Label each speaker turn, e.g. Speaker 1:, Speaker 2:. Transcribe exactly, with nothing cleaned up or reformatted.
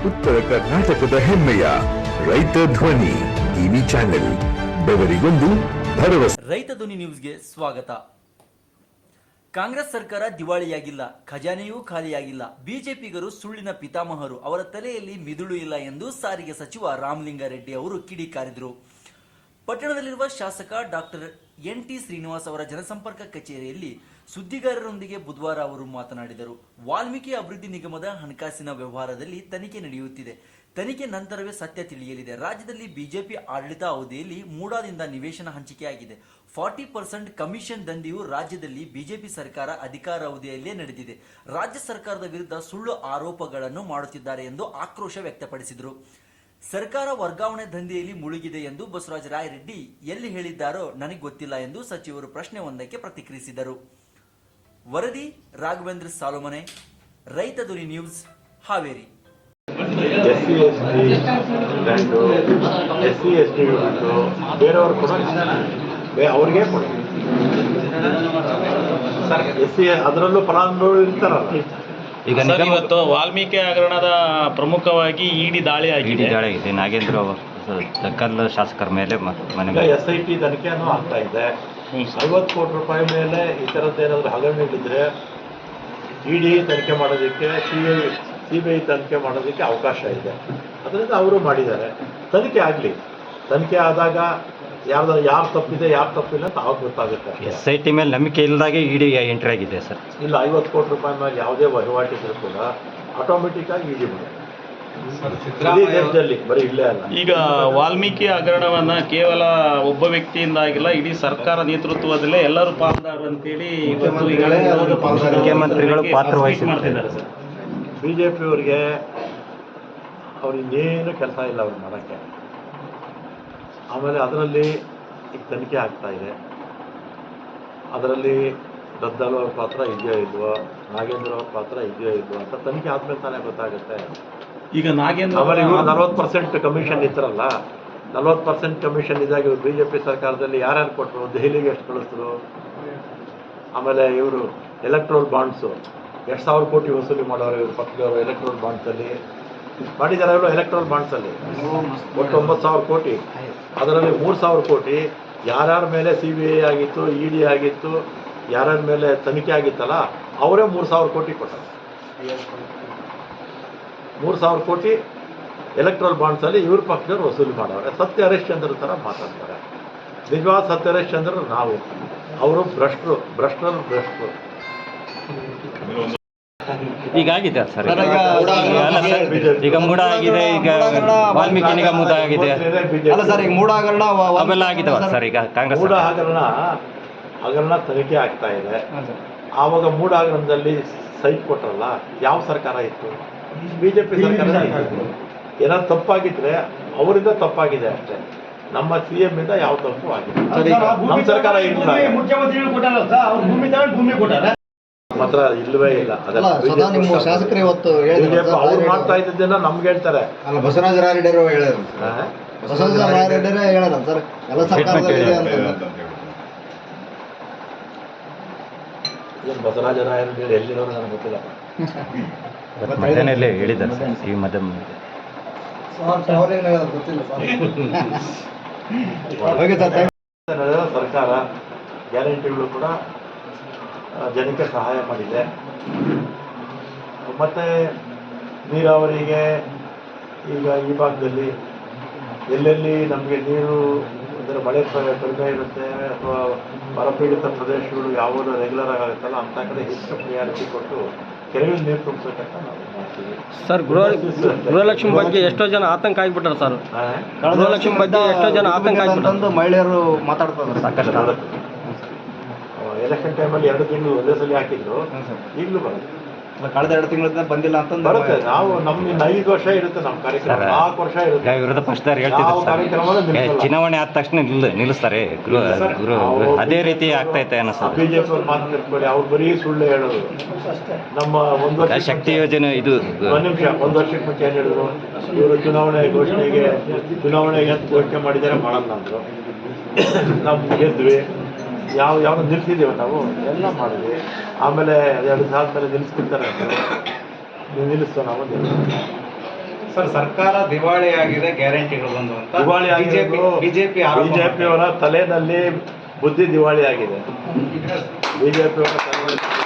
Speaker 1: ಉತ್ತರ ಕರ್ನಾಟಕದ ಹೆಮ್ಮೆಯ ರೈತ ಧ್ವನಿ ಟಿವಿ ಚಾನೆಲ್, ಬೆವರಿಗೊಂದು ಭರವಸೆ.
Speaker 2: ರೈತ ಧ್ವನಿ ನ್ಯೂಸ್ಗೆ ಸ್ವಾಗತ. ಕಾಂಗ್ರೆಸ್ ಸರ್ಕಾರ ದಿವಾಳಿಯಾಗಿಲ್ಲ, ಖಜಾನೆಯೂ ಖಾಲಿಯಾಗಿಲ್ಲ. ಬಿಜೆಪಿಗರು ಸುಳ್ಳಿನ ಪಿತಾಮಹರು, ಅವರ ತಲೆಯಲ್ಲಿ ಮಿದುಳು ಇಲ್ಲ ಎಂದು ಸಾರಿಗೆ ಸಚಿವ ರಾಮಲಿಂಗಾರೆಡ್ಡಿ ಅವರು ಕಿಡಿಕಾರಿದರು. ಪಟ್ಟಣದಲ್ಲಿರುವ ಶಾಸಕ ಡಾಕ್ಟರ್ ಎನ್ ಟಿ ಶ್ರೀನಿವಾಸ್ ಅವರ ಜನಸಂಪರ್ಕ ಕಚೇರಿಯಲ್ಲಿ ಸುದ್ದಿಗಾರರೊಂದಿಗೆ ಬುಧವಾರ ಅವರು ಮಾತನಾಡಿದರು. ವಾಲ್ಮೀಕಿ ಅಭಿವೃದ್ಧಿ ನಿಗಮದ ಹಣಕಾಸಿನ ವ್ಯವಹಾರದಲ್ಲಿ ತನಿಖೆ ನಡೆಯುತ್ತಿದೆ. ತನಿಖೆ ನಂತರವೇ ಸತ್ಯ ತಿಳಿಯಲಿದೆ. ರಾಜ್ಯದಲ್ಲಿ ಬಿಜೆಪಿ ಆಡಳಿತ ಅವಧಿಯಲ್ಲಿ ಮೂಡಾದಿಂದ ನಿವೇಶನ ಹಂಚಿಕೆಯಾಗಿದೆ. ಫಾರ್ಟಿ ಪರ್ಸೆಂಟ್ ಕಮಿಷನ್ ದಂಧೆಯು ರಾಜ್ಯದಲ್ಲಿ ಬಿಜೆಪಿ ಸರ್ಕಾರ ಅಧಿಕಾರಾವಧಿಯಲ್ಲೇ ನಡೆದಿದೆ. ರಾಜ್ಯ ಸರ್ಕಾರದ ವಿರುದ್ಧ ಸುಳ್ಳು ಆರೋಪಗಳನ್ನು ಮಾಡುತ್ತಿದ್ದಾರೆ ಎಂದು ಆಕ್ರೋಶ ವ್ಯಕ್ತಪಡಿಸಿದರು. ಸರ್ಕಾರ ವರ್ಗಾವಣೆ ದಂಧೆಯಲ್ಲಿ ಮುಳುಗಿದೆ ಎಂದು ಬಸವರಾಜ ರಾಯರೆಡ್ಡಿ ಎಲ್ಲಿ ಹೇಳಿದ್ದಾರೋ ನನಗೆ ಗೊತ್ತಿಲ್ಲ ಎಂದು ಸಚಿವರು ಪ್ರಶ್ನೆ ಒಂದಕ್ಕೆ ಪ್ರತಿಕ್ರಿಯಿಸಿದರು. ವರದಿ Raghavendra Salumane, Raita Dhwani news, Haveri.
Speaker 3: S C S T land S C S T ಬೇರೆಯವ್ರು ಕೂಡ ಅವ್ರಿಗೆ ಕೊಡಿ ಸರ್. ಎಸ್ ಸಿ ಅದರಲ್ಲೂ ಫಲಾನುಭವಿಗಳು ಇರ್ತಾರಲ್ಲ.
Speaker 4: ಈಗ ಇವತ್ತು ವಾಲ್ಮೀಕಿ ಹಗರಣದ ಪ್ರಮುಖವಾಗಿ ಇಡಿ ದಾಳಿ ಆಗಿದೆ ದಾಳಿ ಆಗಿದೆ ನಾಗೇಂದ್ರ ಕಲ್ಲು ಶಾಸಕರ ಮೇಲೆ ಮನೆ
Speaker 3: ಎಸ್ ಐ ಟಿ ತನಿಖೆನೂ ಆಗ್ತಾ ಇದೆ. ಐವತ್ತು ಕೋಟಿ ರೂಪಾಯಿ ಮೇಲೆ ಈ ಥರದ್ದು ಏನಾದರೂ ಹಗರಣಗಳಿದ್ರೆ ಇಡಿ ತನಿಖೆ ಮಾಡೋದಕ್ಕೆ, C I C B I ತನಿಖೆ ಮಾಡೋದಕ್ಕೆ ಅವಕಾಶ ಇದೆ. ಅದರಿಂದ ಅವರು ಮಾಡಿದ್ದಾರೆ. ತನಿಖೆ ಆಗಲಿ. ತನಿಖೆ ಆದಾಗ ಯಾರ್ದು ಯಾರು ತಪ್ಪಿದೆ ಯಾರು ತಪ್ಪಿಲ್ಲ ಅಂತ ಅವಾಗ ಗೊತ್ತಾಗುತ್ತೆ.
Speaker 4: ಎಸ್ ಐ ಟಿ ಮೇಲೆ ನಂಬಿಕೆ ಇಲ್ಲದಾಗೆ ಇಡಿ ಎಂಟ್ರಿ ಆಗಿದೆ ಸರ್.
Speaker 3: ಇಲ್ಲ, ಐವತ್ತು ಕೋಟಿ ರೂಪಾಯಿ ಮೇಲೆ ಯಾವುದೇ ವಹಿವಾಟಿದ್ರು ಕೂಡ ಆಟೋಮೆಟಿಕ್ ಆಗಿ ಇಡಿ ಬರುತ್ತೆ ದೇಶದಲ್ಲಿ, ಬರೀ ಇಲ್ಲೇ ಅಲ್ಲ.
Speaker 5: ಈಗ ವಾಲ್ಮೀಕಿ ಹಗರಣವನ್ನ ಕೇವಲ ಒಬ್ಬ ವ್ಯಕ್ತಿಯಿಂದ ಆಗಿಲ್ಲ, ಇಡೀ ಸರ್ಕಾರ ನೇತೃತ್ವದಲ್ಲೇ ಎಲ್ಲರೂ ಪಾಲ್ದಾರರು ಅಂತೇಳಿ
Speaker 4: ಮುಖ್ಯಮಂತ್ರಿಗಳು ಪಾತ್ರ ವಹಿಸಿದ್ದಾರೆ ಸರ್.
Speaker 3: ಬಿ ಜೆ ಪಿಯವರಿಗೆ ಅವ್ರು ಇನ್ನೇನು ಕೆಲಸ ಇಲ್ಲ ಅವ್ರು ಮಾಡೋಕ್ಕೆ. ಆಮೇಲೆ ಅದರಲ್ಲಿ ಈಗ ತನಿಖೆ ಆಗ್ತಾ ಇದೆ. ಅದರಲ್ಲಿ ದದ್ದಲ್ ಅವ್ರ ಪಾತ್ರ ಇದೆಯೋ ಇಲ್ವೋ, ನಾಗೇಂದ್ರ ಅವ್ರ ಪಾತ್ರ ಇದೆಯೋ ಇಲ್ವೋ ಅಂತ ತನಿಖೆ ಆದ್ಮೇಲೆ ತಾನೇ ಗೊತ್ತಾಗುತ್ತೆ.
Speaker 5: ಈಗ ನಾಗೇಂದ್ರ
Speaker 3: ಆಮೇಲೆ ಇವರು ನಲ್ವತ್ತು ಪರ್ಸೆಂಟ್ ಕಮಿಷನ್ ಇತ್ತರಲ್ಲ, ನಲ್ವತ್ತು ಪರ್ಸೆಂಟ್ ಕಮಿಷನ್ ಇದ್ದಾಗ ಇವರು ಬಿ ಜೆ ಪಿ ಸರ್ಕಾರದಲ್ಲಿ ಯಾರ್ಯಾರು ಕೊಟ್ಟರು, ದೆಹಲಿಗೆ ಎಷ್ಟು ಕಳಿಸಿದ್ರು. ಆಮೇಲೆ ಇವರು ಎಲೆಕ್ಟ್ರೋಲ್ ಬಾಂಡ್ಸು ಎಷ್ಟು ಸಾವಿರ ಕೋಟಿ ವಸೂಲಿ ಮಾಡೋರು ಇವರು ಪಕ್ಕದವರು. ಎಲೆಕ್ಟ್ರೋಲ್ ಬಾಂಡ್ಸಲ್ಲಿ ಮಾಡಿದ್ದಾರೆ ಇವರು. ಎಲೆಕ್ಟ್ರೋಲ್ ಬಾಂಡ್ಸಲ್ಲಿ ಒಟ್ಟು ಒಂಬತ್ತು ಸಾವಿರ ಕೋಟಿ, ಅದರಲ್ಲಿ ಮೂರು ಸಾವಿರ ಕೋಟಿ ಯಾರ್ಯಾರ ಮೇಲೆ ಸಿ ಬಿ ಐ ಆಗಿತ್ತು, ಇ ಡಿ ಆಗಿತ್ತು, ಯಾರ್ಯಾರ ಮೇಲೆ ತನಿಖೆ ಆಗಿತ್ತಲ್ಲ ಅವರೇ ಮೂರು ಸಾವಿರ ಕೋಟಿ ಕೊಟ್ಟರು. ಮೂರು ಸಾವಿರ ಕೋಟಿ ಎಲೆಕ್ಟ್ರಲ್ ಬಾಂಡ್ಸಲ್ಲಿ ಇವ್ರ ಪಕ್ಷದವ್ರು ವಸೂಲಿ ಮಾಡೋರು. ಸತ್ಯ ಹರಿಶ್ಚಂದ್ರ ಥರ ಮಾತಾಡ್ತಾರೆ. ನಿಜವಾದ ಸತ್ಯ ಹರಿಶ್ಚಂದ್ರ ನಾವು, ಅವರು ಭ್ರಷ್ಟರು, ಭ್ರಷ್ಟರು ಭ್ರಷ್ಟರು.
Speaker 4: ಈಗಾಗಿದೆ ಸರ್, ಈಗ ಮೂಡ ಆಗಿದೆ, ಈಗ ವಾಲ್ಮೀಕಿ ನಿಗಮದ ಆಗಿದೆ ಸರ್. ಈಗ ಮೂಡ ಹಗರಣ ಅವೆಲ್ಲ ಆಗಿದಾವ ಸರ್. ಈಗ ಕಾಂಗ್ರೆಸ್
Speaker 3: ಮೂಡ ಹಗರಣ ಹಗರಣ ತನಿಖೆ ಆಗ್ತಾ ಇದೆ. ಆವಾಗ ಮೂಡ ಹಗರಣದಲ್ಲಿ ಸೈಟ್ ಕೊಟ್ಟರಲ್ಲ, ಯಾವ ಸರ್ಕಾರ ಇತ್ತು? ಬಿಜೆಪಿ ಸರ್ಕಾರ ಇತ್ತು. ಏನಾದ್ರು ತಪ್ಪಾಗಿದ್ರೆ ಅವರಿಂದ ತಪ್ಪಾಗಿದೆ ಅಷ್ಟೇ. ನಮ್ಮ ಸಿ ಎಂ ಇಂದ ಯಾವ ತಪ್ಪು ಆಗಿದೆ. ನಮ್ಮ ಸರ್ಕಾರ ಮಾತ್ರ ಇಲ್ಲವೇ ಇಲ್ಲ.
Speaker 6: ಶಾಸಕರು ಇವತ್ತು
Speaker 3: ಅವ್ರು ಮಾಡ್ತಾ ಇದ್ದದ್ದೆಲ್ಲ ನಮ್ಗೆ ಹೇಳ್ತಾರೆ.
Speaker 6: ಅಲ್ಲ, ಬಸವರಾಜ ರಾಯರೆಡ್ಡಿ ಹೇಳ್ಯಾರ ಬಸವರಾಜ ರಾಯರೆಡ್ಡಿ ಹೇಳ್ಯಾರ ಸರ್, ಎಲ್ಲ ಸರ್ಕಾರದಲ್ಲಿ
Speaker 3: ಬಸವರಾಜ ರಾಯರೆಡ್ಡಿ ಎಲ್ಲಿರೋರು ನನಗೆ ಗೊತ್ತಿಲ್ಲ.
Speaker 4: ಮಧ್ಯಾಹ್ನಲ್ಲೇ ಹೇಳಿದ್ದಾರೆ ಸರ್, ಈ ಮಧ್ಯ
Speaker 3: ಸರ್ಕಾರ ಗ್ಯಾರಂಟಿಗಳು ಕೂಡ ಜನಕ್ಕೆ ಸಹಾಯ ಮಾಡಿದೆ. ಮತ್ತು ನೀರಾವರಿಗೆ ಈಗ ಈ ಭಾಗದಲ್ಲಿ ಎಲ್ಲೆಲ್ಲಿ ನಮಗೆ ನೀರು ಅಂದರೆ ಮಳೆ ಕಡಿಮೆ ಇರುತ್ತೆ ಅಥವಾ ಬರಪೀಡಿತ ಪ್ರದೇಶಗಳು ಯಾವುದು ರೆಗ್ಯುಲರ್ ಆಗುತ್ತಲ್ಲ ಅಂಥ ಕಡೆ ಹೆಚ್ಚು ಪ್ರಿಯಾರಿಟಿ ಕೊಟ್ಟು ಕೆರೆಯಲ್ಲಿ ನೀರು ತುಂಬಿಸಬೇಕಂತ ನಾವು ಮಾಡ್ತೀವಿ
Speaker 7: ಸರ್. ಗೃಹ ಗೃಹಲಕ್ಷ್ಮಿ ಬಗ್ಗೆ ಎಷ್ಟೋ ಜನ ಆತಂಕ ಆಗಿಬಿಟ್ಟಾರೆ ಸರ್. ಗೃಹಲಕ್ಷ್ಮಿ ಬಗ್ಗೆ ಎಷ್ಟೋ ಜನ ಆತಂಕ ಆಗಿಬಿಟ್ಟು
Speaker 6: ಮಹಿಳೆಯರು ಮಾತಾಡ್ತಾರೆ ಸಾಕಷ್ಟು.
Speaker 3: ಎಲೆಕ್ಷನ್ ಟೈಮಲ್ಲಿ ಎರಡು ತಿಂಗಳು ಒಂದೇ ಸಲ ಹಾಕಿದ್ರು, ಈಗಲೂ ಬರುತ್ತೆ.
Speaker 6: ಕಳೆದ ಎರಡು ತಿಂಗಳಿಂದ ಬಂದಿಲ್ಲ ಅಂತ
Speaker 3: ಬರುತ್ತೆ. ನಾವು ನಮ್ಮ ಇನ್ನು ಐದು ವರ್ಷ ಇರುತ್ತೆ ನಮ್ಮ ಕಾರ್ಯಕ್ರಮ, ನಾಲ್ಕು ವರ್ಷ ಇರುತ್ತೆ.
Speaker 4: ವಿರೋಧ ಪಕ್ಷದವ್ರು ಹೇಳ್ತಿದ್ದಾರೆ ಚುನಾವಣೆ ಆದ ತಕ್ಷಣ ನಿಲ್ ನಿಲ್ಲಿಸ್ತಾರೆ ಗೃಹ ಗೃಹ ಅದೇ ರೀತಿ ಆಗ್ತಾ ಇತ್ತೆ ಅನಿಸ್ತದೆ.
Speaker 3: ಬಿಜೆಪಿ ಅವ್ರು ಮಾತು ತಿಳ್ಕೊಳ್ಳಿ, ಅವ್ರು ಬರೀ ಸುಳ್ಳು ಹೇಳೋದು. ನಮ್ಮ ಒಂದು ವರ್ಷ
Speaker 4: ಶಕ್ತಿ ಯೋಜನೆ ಇದು
Speaker 3: ಒಂದು ನಿಮಿಷ ಒಂದು ವರ್ಷಕ್ಕೆ ಮುಂಚೆ ಏನು ಹೇಳಿದ್ರು, ಇವರು ಚುನಾವಣೆ ಘೋಷಣೆಗೆ ಚುನಾವಣೆಗೆ ಅಂತ ಘೋಷಣೆ ಮಾಡಿದ್ದಾರೆ, ಮಾಡಲ್ಲ ಅಂದರು. ನಾವು ಗೆದ್ವಿ. ಯಾವ ಯಾವ ನಿಲ್ಸಿದ್ದೀವಿ ನಾವು ಎಲ್ಲ ಮಾಡಿದ್ವಿ. ಆಮೇಲೆ ಎರಡು ದಿವಸ ಆದಮೇಲೆ ನಿಲ್ಲಿಸ್ಬಿಡ್ತಾರೆ ಅಂತ ನೀವು ನಿಲ್ಲಿಸ್ತೋ ನಾವು
Speaker 8: ಸರ್ ಸರ್ಕಾರ ದಿವಾಳಿ ಆಗಿದೆ, ಗ್ಯಾರಂಟಿಗಳು ಬಂದು ಅಂತ
Speaker 3: ದಿವಾಳಿ
Speaker 8: ಬಿಜೆಪಿ ಬಿಜೆಪಿ
Speaker 3: ಬಿಜೆಪಿಯವರ ತಲೆನಲ್ಲಿ ಬುದ್ಧಿ ದಿವಾಳಿ ಆಗಿದೆ. ಬಿಜೆಪಿಯವರ ತಲೆಯಲ್ಲಿ